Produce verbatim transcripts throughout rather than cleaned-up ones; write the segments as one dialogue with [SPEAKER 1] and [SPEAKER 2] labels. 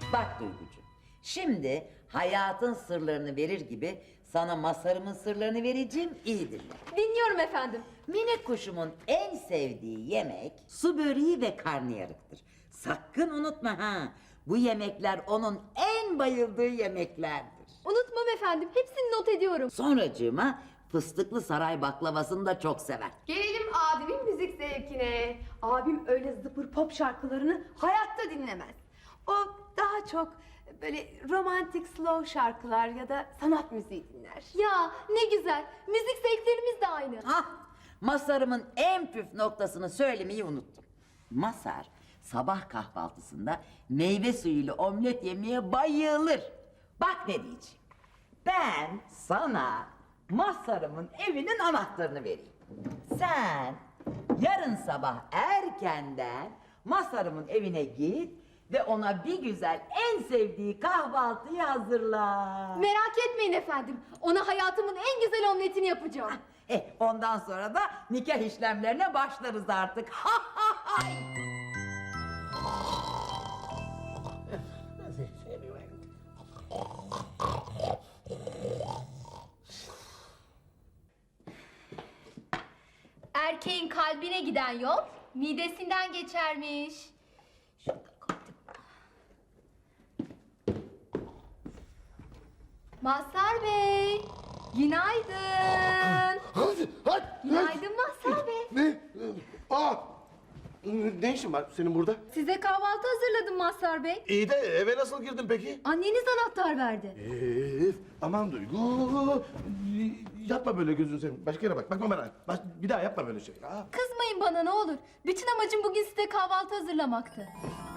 [SPEAKER 1] Bak Duygucuğum, şimdi hayatın sırlarını verir gibi sana Mazhar'ımın sırlarını vereceğim, iyi dinle.
[SPEAKER 2] Dinliyorum efendim.
[SPEAKER 1] Minik kuşumun en sevdiği yemek su böreği ve karnıyarıktır. Sakın unutma ha, bu yemekler onun en bayıldığı yemeklerdir.
[SPEAKER 2] Unutmam efendim. Hepsini not ediyorum.
[SPEAKER 1] Sonracığıma fıstıklı saray baklavasını da çok sever.
[SPEAKER 3] Gelelim abimin müzik zevkine. Abim öyle zıpır pop şarkılarını hayatta dinlemez. O daha çok böyle romantik slow şarkılar ya da sanat müziği dinler.
[SPEAKER 2] Ya ne güzel. Müzik zevklerimiz de aynı.
[SPEAKER 1] Ah, Mazhar'ımın en püf noktasını söylemeyi unuttum. Mazhar sabah kahvaltısında meyve suyuyla omlet yemeye bayılır. Bak ne diyeceğim. Ben sana Mazhar'ımın evinin anahtarını vereyim. Sen yarın sabah erkenden Mazhar'ımın evine git ve ona bir güzel en sevdiği kahvaltıyı hazırla.
[SPEAKER 2] Merak etmeyin efendim. Ona hayatımın en güzel omletini yapacağım.
[SPEAKER 1] Eh, ondan sonra da nikah işlemlerine başlarız artık. Ha ha hay!
[SPEAKER 2] Erkeğin kalbine giden yol midesinden geçermiş. Şunu da koydum. Mazhar Bey, günaydın.
[SPEAKER 4] Hadi, hadi.
[SPEAKER 2] Günaydın Mazhar Bey.
[SPEAKER 4] Ne? Aa! Ne işin var senin burada?
[SPEAKER 2] Size kahvaltı hazırladım Mazhar Bey.
[SPEAKER 4] İyi de eve nasıl girdin peki?
[SPEAKER 2] Anneniz anahtar verdi.
[SPEAKER 4] Ee, aman Duygu. Yapma böyle gözünü seveyim. Başka yere bak. Bakma bana. Baş, bir daha yapma böyle şey. Aa.
[SPEAKER 2] Kızmayın bana ne olur. Bütün amacım bugün size kahvaltı hazırlamaktı.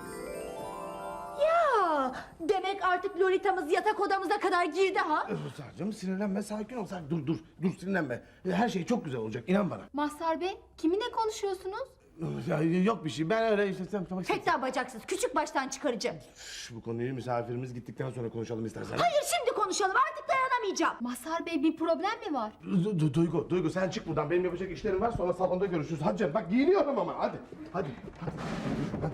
[SPEAKER 5] Ya demek artık Lolita'mız yatak odamıza kadar girdi ha?
[SPEAKER 4] Ruslarcığım sinirlenme, sakin ol. Sakin. Dur, dur. Dur sinirlenme. Her şey çok güzel olacak. İnan bana.
[SPEAKER 2] Mazhar Bey, kiminle konuşuyorsunuz?
[SPEAKER 4] Ya, yok bir şey. Ben öyle işte... Tamam, tamam.
[SPEAKER 5] Tekrar bacaksız küçük baştan çıkaracağım.
[SPEAKER 4] Şş, bu konuyu misafirimiz gittikten sonra konuşalım istersen.
[SPEAKER 5] Hayır şimdi konuşalım artık dayanamayacağım.
[SPEAKER 2] Mazhar Bey bir problem mi var?
[SPEAKER 4] Du- Du- Duygu, Duygu sen çık buradan. Benim yapacak işlerim var. Sonra salonda görüşürüz. Hadi canım. Bak giyiniyorum ama. Hadi. Hadi. Hadi. Hadi.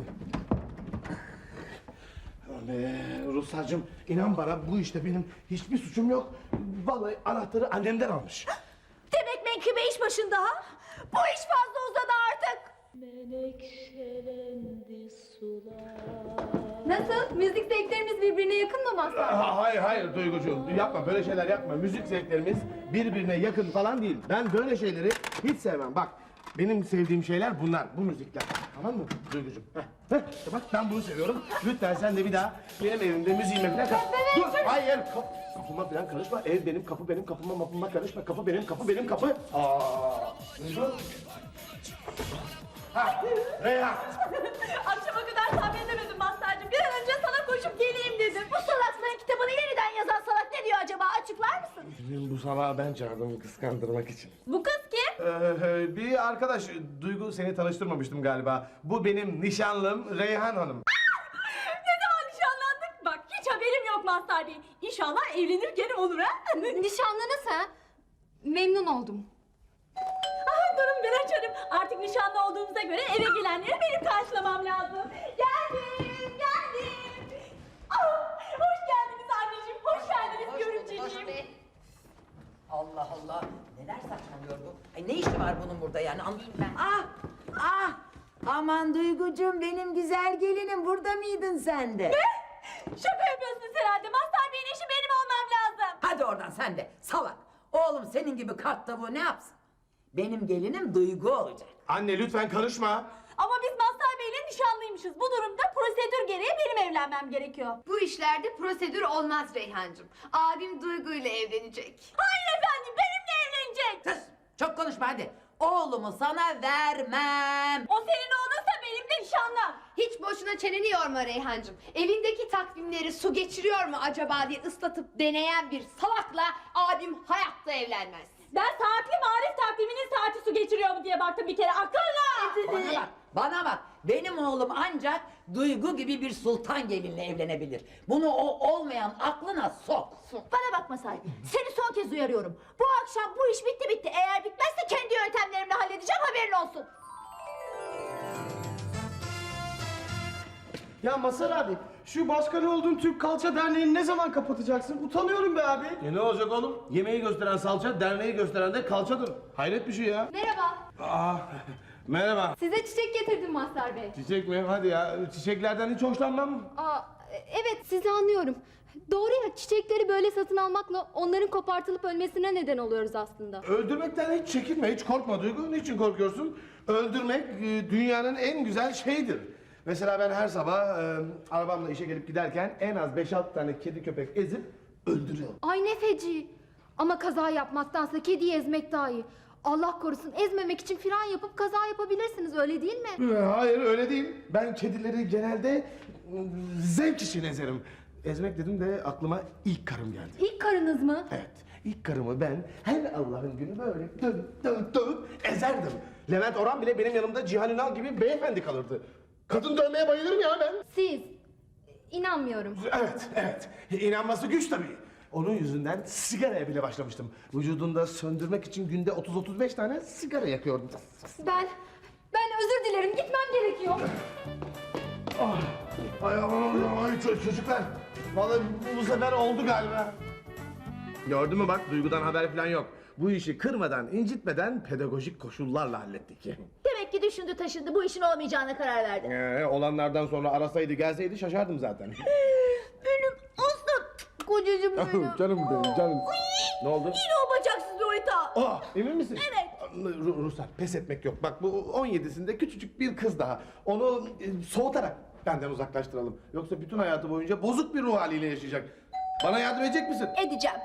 [SPEAKER 4] Aman be, Ruslarcığım inan bana bu işte benim hiçbir suçum yok. Vallahi anahtarı annemden almış.
[SPEAKER 5] Demek menkıbe iş başında ha? Bu iş fazla uzadı artık.
[SPEAKER 6] Menekşelendi sular.
[SPEAKER 2] Nasıl? Müzik zevklerimiz birbirine yakın mı Mazhar Bey?
[SPEAKER 4] Ha, hayır hayır Duygucuğum yapma böyle şeyler yapma. Müzik zevklerimiz birbirine yakın falan değil. Ben böyle şeyleri hiç sevmem. Bak benim sevdiğim şeyler bunlar, bu müzikler. Tamam mı Duygucuğum? Heh, heh, işte bak ben bunu seviyorum. Lütfen sen de bir daha benim evimde müziğime falan kal. Dur, hayır. Kap kapıma falan karışma. Ev benim, kapı benim, kapıma mapıma karışma. Kapı benim, kapı benim, kapı. Aa, Duygu. Ha, Reyhan.
[SPEAKER 5] Akşama kadar sabredemedim Mazhar'cığım. Bir an önce sana koşup geleyim dedim. Bu salaklığın kitabını yeniden yazan salak ne diyor acaba? Açıklar mısın?
[SPEAKER 4] Bu salağı ben çağırdım kıskandırmak için.
[SPEAKER 5] Bu kız kim?
[SPEAKER 4] Ee, bir arkadaş, Duygu seni tanıştırmamıştım galiba. Bu benim nişanlım Reyhan Hanım.
[SPEAKER 5] Ne zaman nişanlandık? Bak hiç haberim yok Mazhar Bey. İnşallah evlenirken olur ha?
[SPEAKER 2] Nişanlınız ha? Memnun oldum.
[SPEAKER 5] Ah, durun ben açarım. Artık nişanlı olduğumuza göre eve gelenleri benim karşılamam lazım. Geldim, geldim. Ah, hoş geldiniz anneciğim, hoş geldiniz görümceciğim.
[SPEAKER 1] Allah Allah, neler saçmalıyor bu? Ay ne işi var bunun burada yani? Anlayayım ben. Ah, ah, aman Duygucuğum benim güzel gelinim, burada mıydın sen de?
[SPEAKER 5] Şaka yapıyorsunuz herhalde. Mazhar Bey'in eşi benim olmam lazım.
[SPEAKER 1] Hadi oradan sen de, salak. Oğlum senin gibi kart tavuğu ne yapsın? Benim gelinim Duygu olacak.
[SPEAKER 4] Anne lütfen karışma.
[SPEAKER 5] Ama biz Mazhar Bey'le nişanlıymışız. Bu durumda prosedür gereği benim evlenmem gerekiyor.
[SPEAKER 3] Bu işlerde prosedür olmaz Reyhancığım. Abim Duygu ile evlenecek.
[SPEAKER 5] Hayır efendim, benimle evlenecek.
[SPEAKER 1] Sus, çok konuşma hadi. Oğlumu sana vermem.
[SPEAKER 5] O senin oğlunsa benim de nişanlım.
[SPEAKER 3] Hiç boşuna çeneni yorma Reyhancığım. Evindeki takvimleri su geçiriyor mu acaba diye ıslatıp deneyen bir salakla abim hayatta evlenmez.
[SPEAKER 5] Ben saatli marif takviminin saati su geçiriyor mu diye baktım bir kere. Akıllı.
[SPEAKER 1] Bana bak, bana bak. Benim oğlum ancak Duygu gibi bir sultan gelinle evlenebilir. Bunu o olmayan aklına sok.
[SPEAKER 5] Bana bakma Sahi. Seni son kez uyarıyorum. Bu akşam bu iş bitti bitti. Eğer bitmezse kendi yöntemlerimle halledeceğim, haberin olsun.
[SPEAKER 4] Ya Mazhar abi
[SPEAKER 6] Şu başkanı olduğun Türk Kalça Derneği'ni ne zaman kapatacaksın? Utanıyorum be abi.
[SPEAKER 4] E ne olacak oğlum? Yemeği gösteren salça, derneği gösteren de kalçadır. Hayret bir şey ya.
[SPEAKER 2] Merhaba.
[SPEAKER 4] Aa, merhaba.
[SPEAKER 2] Size çiçek getirdim Mazhar Bey.
[SPEAKER 4] Çiçek mi? Hadi ya. Çiçeklerden hiç hoşlanmam.
[SPEAKER 2] Aa, evet sizi anlıyorum. Doğru ya, çiçekleri böyle satın almakla onların kopartılıp ölmesine neden oluyoruz aslında.
[SPEAKER 4] Öldürmekten hiç çekinme, hiç korkma Duygu. Niçin korkuyorsun? Öldürmek e, dünyanın en güzel şeyidir. Mesela ben her sabah e, arabamla işe gelip giderken en az beş altı tane kedi köpek ezip öldürüyorum.
[SPEAKER 2] Ay ne feci. Ama kaza yapmaktansa kediyi ezmek daha iyi. Allah korusun, ezmemek için fren yapıp kaza yapabilirsiniz, öyle değil mi?
[SPEAKER 4] E, Hayır öyle değil. Ben kedileri genelde e, zevk için ezerim. Ezmek dedim de aklıma ilk karım geldi.
[SPEAKER 2] İlk karınız mı?
[SPEAKER 4] Evet, ilk karımı ben her Allah'ın günü böyle dövüp dövüp dövüp ezerdim. Levent Orhan bile benim yanımda Cihan Ünal gibi beyefendi kalırdı. Kadın dövmeye bayılırım ya ben.
[SPEAKER 2] Siz. İnanmıyorum.
[SPEAKER 4] Evet, evet. İnanması güç tabii. Onun yüzünden sigaraya bile başlamıştım. Vücudunda söndürmek için günde otuz otuz beş tane sigara yakıyordum.
[SPEAKER 2] Ben, ben özür dilerim, gitmem gerekiyor.
[SPEAKER 4] Ah, ay, ay, ay ço- çocuklar. Vallahi bu, bu sefer oldu galiba. Gördün mü bak, Duygu'dan haber falan yok. Bu işi kırmadan, incitmeden pedagojik koşullarla hallettik.
[SPEAKER 5] Demek ki düşündü taşındı, bu işin olmayacağına karar verdi.
[SPEAKER 4] Ee, olanlardan sonra arasaydı gelseydi şaşardım zaten.
[SPEAKER 5] Benim aslan kocacığım benim.
[SPEAKER 4] Canım benim canım. Ne oldu?
[SPEAKER 5] Yine o bacaksız Lolita.
[SPEAKER 4] Aa, emin misin?
[SPEAKER 5] Evet.
[SPEAKER 4] Ru- Ruhsar, pes etmek yok. Bak bu on yedisinde küçücük bir kız daha. Onu e, soğutarak benden uzaklaştıralım. Yoksa bütün hayatı boyunca bozuk bir ruh haliyle yaşayacak. Bana yardım edecek misin?
[SPEAKER 5] Edeceğim.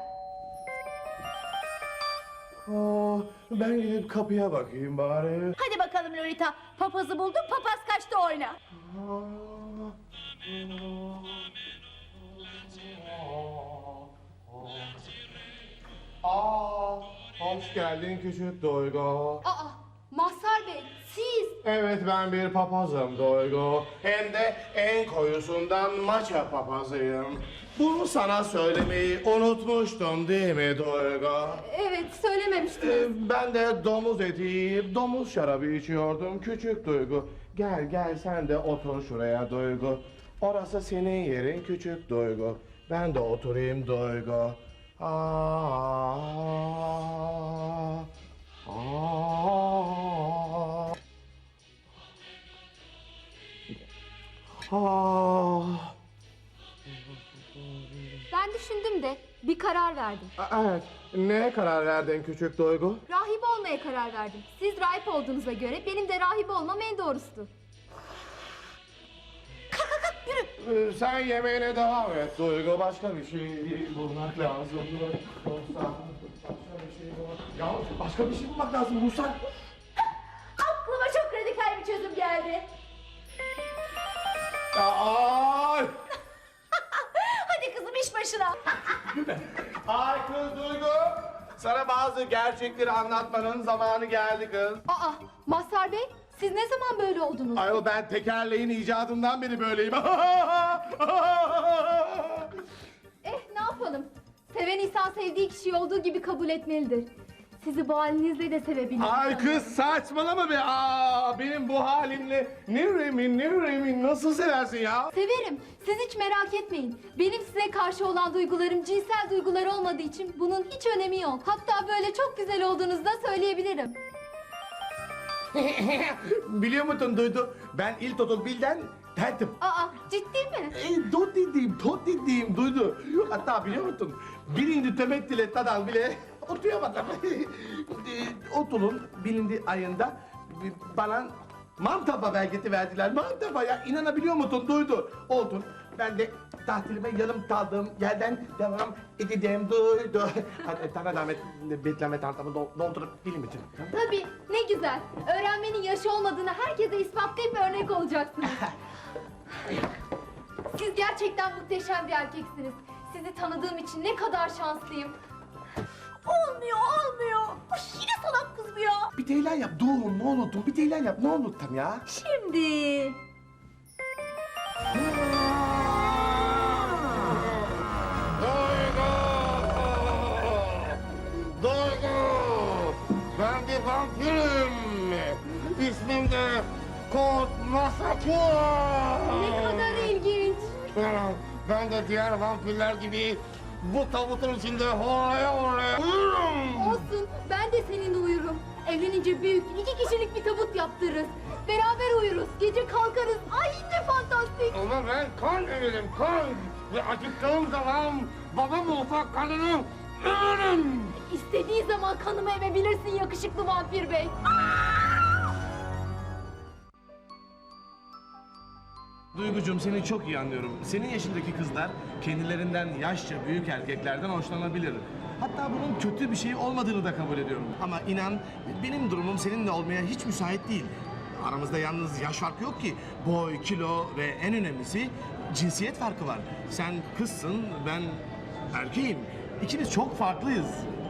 [SPEAKER 4] Aa, ben gidip kapıya bakayım bari.
[SPEAKER 5] Hadi bakalım Lolita. Papazı bulduk, papaz kaçtı oyna.
[SPEAKER 4] Aa, hoş geldin küçük Duygu.
[SPEAKER 2] Aa, Mazhar Bey, siz.
[SPEAKER 4] Evet, ben bir papazım Duygu. Hem de en koyusundan maça papazıyım. Bunu sana söylemeyi unutmuştum değil mi Duygu?
[SPEAKER 2] Evet, söylememiştiniz.
[SPEAKER 4] Ee, ben de domuz eti yiyip domuz şarabı içiyordum küçük Duygu. Gel gel sen de otur şuraya Duygu. Orası senin yerin küçük Duygu. Ben de oturayım Duygu. Aa, aa, aa.
[SPEAKER 2] Ben düşündüm de bir karar verdim.
[SPEAKER 4] Evet, neye karar verdin küçük Duygu?
[SPEAKER 2] Rahip olmaya karar verdim. Siz rahip olduğunuza göre benim de rahip olmam en doğrusudur.
[SPEAKER 4] Ee, Sen yemeğine devam et Duygu. Başka bir şey bulmak lazım. Yoksa başka bir şey bulmak... Ya başka bir şey bulmak lazım Ruslan.
[SPEAKER 5] Aklıma çok radikal bir çözüm geldi.
[SPEAKER 4] Ay!
[SPEAKER 5] Hadi kızım iş başına.
[SPEAKER 4] Ay kız Duygu! Sana bazı gerçekleri anlatmanın zamanı geldi kız.
[SPEAKER 2] Aa, Mazhar Bey, siz ne zaman böyle oldunuz?
[SPEAKER 4] Ayol ben tekerleğin icadından beri böyleyim.
[SPEAKER 2] Eh, ne yapalım? Seven insan sevdiği kişiyi olduğu gibi kabul etmelidir. Sizi bu halinizle de sevebilirim.
[SPEAKER 4] Ay kız saçmalama be! Aa, benim bu halimle Nurem'in, Nurem'in nasıl seversin ya?
[SPEAKER 2] Severim. Siz hiç merak etmeyin. Benim size karşı olan duygularım cinsel duygular olmadığı için bunun hiç önemi yok. Hatta böyle çok güzel olduğunuzu da söyleyebilirim.
[SPEAKER 4] Biliyor musun Duydu? Ben İl Bil'den tertim.
[SPEAKER 2] Aa, ciddi mi?
[SPEAKER 4] E, dot dediğim, tot dediğim Duydu. Hatta biliyor musun? Birinci temettüle tadal bile otuyamadım. e, Otulun bilindi ayında bana Mantapa belgeti verdiler. Mantapa ya, inanabiliyor musun Duydu? Oldun. Ben de tahtilime yarım kaldığım yerden devam edeceğim Duydu. Hadi sana zahmet bekleme tantamı doldurup film için.
[SPEAKER 2] Tabii, ne güzel. Öğrenmenin yaşı olmadığını herkese ispatlayıp örnek olacaksınız. Siz gerçekten muhteşem bir erkeksiniz. Sizi tanıdığım için ne kadar şanslıyım.
[SPEAKER 5] Olmuyor, olmuyor. Uş, yine salak kız bu ya.
[SPEAKER 4] Bir teyler yap. Dur ne unuttun? Bir teyler yap. Ne unuttun ya?
[SPEAKER 5] Şimdi.
[SPEAKER 4] Duygu! Duygu! Ben bir vampirim. İsmim de Kont Masakua.
[SPEAKER 2] Ne kadar ilginç.
[SPEAKER 4] Ben de diğer vampirler gibi bu tabutun içinde horlaya horlaya uyurum.
[SPEAKER 2] Olsun, ben de seninle uyurum. Evlenince büyük, iki kişilik bir tabut yaptırırız. Beraber uyuruz, gece kalkarız. Ay ne fantastik.
[SPEAKER 4] Ama ben kan emirim, kan. Ve acıktığım zaman baba mutfak kanını emirim.
[SPEAKER 2] İstediği zaman kanımı emebilirsin yakışıklı vampir bey.
[SPEAKER 4] Duygucuğum, seni çok iyi anlıyorum. Senin yaşındaki kızlar kendilerinden yaşça büyük erkeklerden hoşlanabilir. Hatta bunun kötü bir şey olmadığını da kabul ediyorum. Ama inan, benim durumum seninle olmaya hiç müsait değil. Aramızda yalnız yaş farkı yok ki. Boy, kilo ve en önemlisi cinsiyet farkı var. Sen kızsın, ben erkeğim. İkimiz çok farklıyız.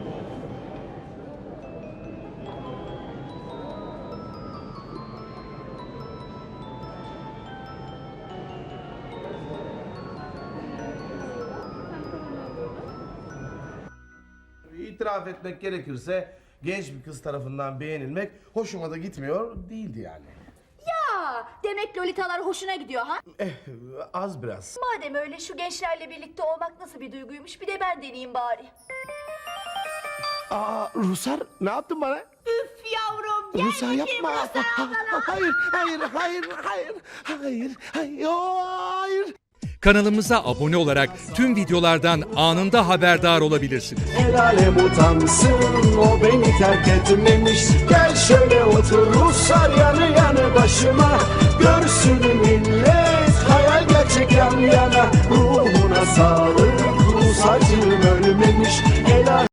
[SPEAKER 4] İtiraf etmek gerekirse genç bir kız tarafından beğenilmek hoşuma da gitmiyor değildi yani.
[SPEAKER 5] Ya demek lolitalar hoşuna gidiyor ha?
[SPEAKER 4] Eh, az biraz.
[SPEAKER 5] Madem öyle şu gençlerle birlikte olmak nasıl bir duyguymuş bir de ben deneyeyim bari.
[SPEAKER 4] Aa, Rusar, ne yaptın bana?
[SPEAKER 5] Üf yavrum gel
[SPEAKER 4] Rusar
[SPEAKER 5] bakayım
[SPEAKER 4] yapma.
[SPEAKER 5] Rusar ablana.
[SPEAKER 4] Hayır, hayır, hayır, hayır, hayır, hayır, hayır.
[SPEAKER 7] Kanalımıza abone olarak tüm videolardan anında haberdar olabilirsiniz.
[SPEAKER 8] El alem utansın, o beni terk etmemiş. Gel şöyle otur Ruslar yanı yanı başıma. Görsün millet hayal gerçek yan yana. Ruhuna sağlık, Rus acım ölmemiş. El alem